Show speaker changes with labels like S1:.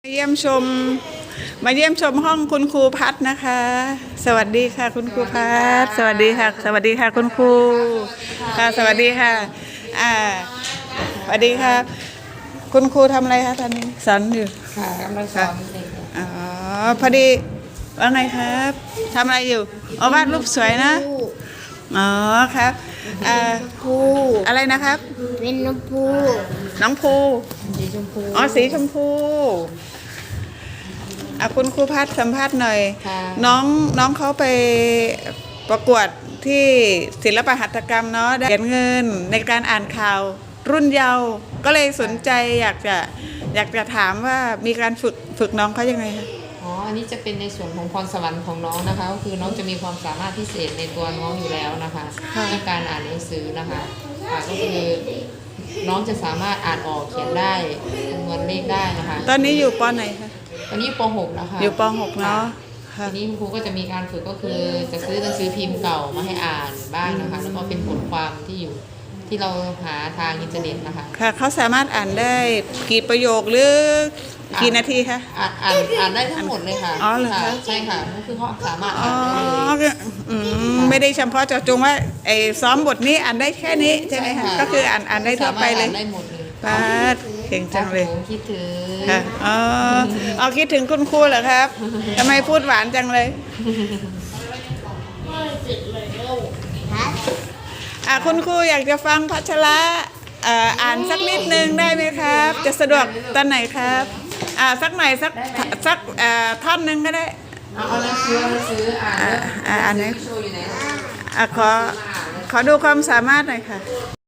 S1: มาเยี่ยมชมห้องคุณครูพัฒนะคะ สวัสดีค่ะคุณครูพัฒสวัสดีค่ะสวัสดีค่ะคุณครูค่ะสวัสดีค่ะสวัสดีค่ะคุณครูทำอะไรคะตอนนี้สอนอยู่
S2: ค่ะกำลังสอนเด็ก
S1: อ๋อพอดีว่าไงครับทำอะไรอยู่อ๋อวาดรูปสวยนะอ๋อครับ
S3: ภู
S1: อะไรนะครับ
S3: เป็นน้ำภู
S1: น้องภู
S2: สีชมพู
S1: อ๋อสีชมพูคุณครูพัฒสัมภาษณ์หน่อยน้องเขาไปประกวดที่ศิลปหัตถกรรมเนาะได้เหรียญเงินในการอ่านข่าวรุ่นเยาว์ก็เลยสนใจอยากจะถามว่ามีการฝึกน้องเขายังไงคะ
S2: อันนี้จะเป็นในส่วนของพรสวรรค์ของน้องนะคะก็คือน้องจะมีความสามารถพิเศษในตัวน้องอยู่แล้วนะคะในการอ่านหนังสือนะคะก็คือน้องจะสามารถอ่านออกเขียนได้คำนวณเลขได้นะคะ
S1: ตอนนี้อยู่ป.ไหนคะ
S2: ตอนนี้ป .6 นะคะ
S1: อยู่ป .6 เนาะ
S2: ทีนี้ครูก็จะมีการฝึกก็คือจะซื้อหนังสือพิมพ์เก่ามาให้อ่านบ้างนะคะแล้วก็เป็นบทความที่เราหาทางอินเทอร์เน็ตนะคะ
S1: ค่ะเขาสามารถอ่านได้กี่ประโยคหรือกี่นาทีคะ
S2: อ่านได้ทั้งหมดเลยค่ะ
S1: อ๋อเหรอคะ
S2: ใช่ค่ะก็คือเขาสามารถอ่านได้เลย
S1: ไม่ได้เฉพาะเจาะจงว่าซ้อมบทนี้อ่านได้แค่นี้ใช่ไหมคะก็คืออ่านได้ทั่วไปเลย
S2: ได้หมดเลย
S1: ป้าเก่งจังเลย
S2: คิดถึง
S1: ค่ะคิดถึงคุณครูเหรอครับทำไมพูดหวานจังเลยคุณครูอยากจะฟังพัชระอ่านสักนิดนึงได้ไหมครับ จะสะดวกตอนไหนครับสักหน่อยสักท่อนนึงก็ได้
S2: เอาหนังสืออ่าน
S1: ไหน
S2: โชว์อยู่ไหน
S1: ขอดูความสามารถหน่อยค่ะ